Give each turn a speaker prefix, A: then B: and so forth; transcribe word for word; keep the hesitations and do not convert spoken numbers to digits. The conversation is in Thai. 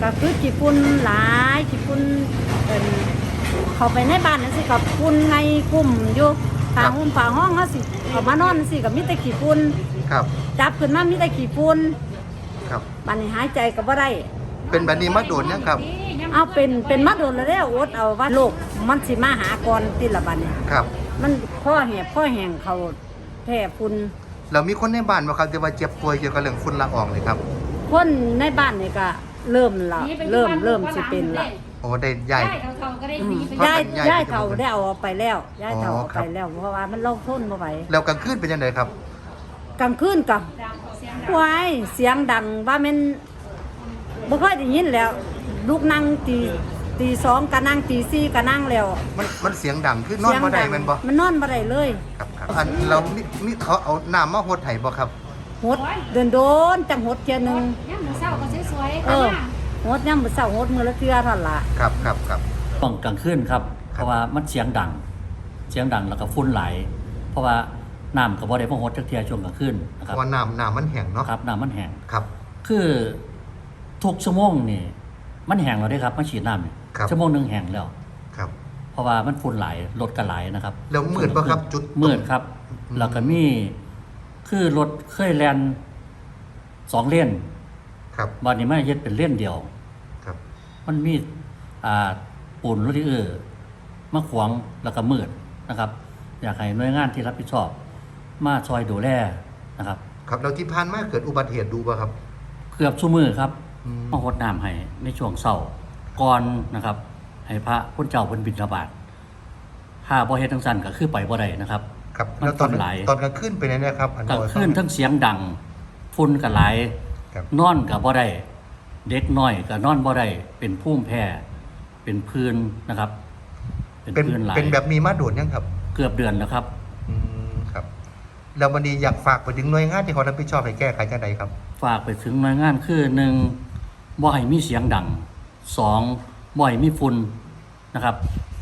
A: ก็คือขี้ฝุ่นหลายขี้ฝุ่นเอิ้นเข้าไปในบ้านนั่นสิกับฝุ่นไงกลุ่มอยู่ทางหุ้มฝาห้องเฮาสิเข้ามานอนสิก็มีแต่ขี้ฝุ่น
B: ครับ
A: จับขึ้นมามีแต่ขี้ฝุ่น
B: ครับ
A: บัดนี้หายใจก็บ่ได้
B: เป็นแบบนี้มาโดนยังครับ
A: เอาเป็นเป็นมาโดนแล้วเด้ออดเอาว่าโรคมันสิมาหาก่อนติละบัดนี้
B: ครับ
A: มันข้อแหบข้อแห้งเขาแพ้ฝุ่น
B: เรามีคนในบ้านบ่ครับที่ว่าเจ็บป่วยเกี่ยวกับเรื่องฝุ่นละอองเลยครับ
A: คนในบ้านนี่ก็เริ่มละเริ่มเริ่มสิเป็นละ
B: โอ้ได้ใหญ่
A: ย้ายย้ายเท่าได้เอาไปแล้วย้ายเท่าเอาไปแล้วเพราะว่ามันลงทุนบ่ไหว
B: แล้วกลางคืนเป็นยังไงครับ
A: กลางคืนกับวายเสียงดังว่ามันบ่ค่อยได้ยินแล้วลูกนั่งตีตีสองก็นั่งตีสี่ก็นั่งแล้ว
B: มันมันเสียงดังคือนอนบ่ได้แม่นบ่
A: มันนอนบ่ได้เลย
B: ครับครับอันเรามีมีเขาเอาน้ำมาหดให้บ่ครับ
A: หดเดินโดนจังหดเทื่อนึง
C: ยามมื้อเช้าก็สวยๆ
A: เออหดยามมื้อเช้าหดมื้อละเทื่อเท่านั้นล่ะ
B: ครับครับครับ
D: ต้องกลางคืนครับเพราะว่ามันเสียงดังเสียงดังแล้วก็ฝุ่นไหลเพราะว่าน้ำก็บ่ได้มาหดจักเที่ยช่วงกลางคืนนะครับ
B: ว่าน้ำน้ำมันแห้งเนาะ
D: ครับน้ำมันแห้ง
B: ครับ
D: คือทุกชั่วโมงนี่มันแห้งแล้วได้ครับมาฉีดน้ำนี่ชั่วโมงนึงแห้งแล้ว
B: ครับ
D: เพราะว่ามันฝุ่นไหลรถก็ไหลนะครับ
B: แล้วมืดป่ะครับจุด
D: มืดครับแล้วก็มีคือรถเคยแล่นสองเลน
B: ครับ
D: วันนี้ไม่เฮ็ดเป็นเลนเดียว
B: ครับ
D: มันมีอ่าปูนรถที่เออมาขวางแล้วก็มืดนะครับอยากให้หน่วยงานที่รับผิดชอบมาช่วยดูแลนะครับ
B: ครับแล้วที่ผ่านมาเกิดอุบัติเหตุดูป่ะครับ
D: เกือบชั่วมือครับมาหดน้ำให้ในช่วงเช้าก่อนนะครับให้พระพุทธเจ้าเพิ่นบิณฑบาตถ้าบ่เฮ็ดจังซั่นก็คือไปบ่ได้นะครับ
B: ครับแล้วตอนตอนกลางคืนเป็นยังไงครับ
D: กลางคืนทั้งเสียงดังฝุ่นก็หลายนอนก็บ่ได้เด็กน้อยก็นอนบ่ได้เป็นภูมิแพ้เป็นพื้นนะครับ
B: เป็นพื้นหลายเป็นแบบมีมาโดนยังครับ
D: เกือบเดือนแล้วครับ
B: อืมครับแล้ววันนี้อยากฝากไปถึงหน่วยงานที่เขารับผิดชอบให้แก้ไขจังไดครับ
D: ฝากไปถึงหน่วยงานคือหนึ่งบ่ให้มีเสียงดังสองบ่ให้มีฝุ่นนะครับ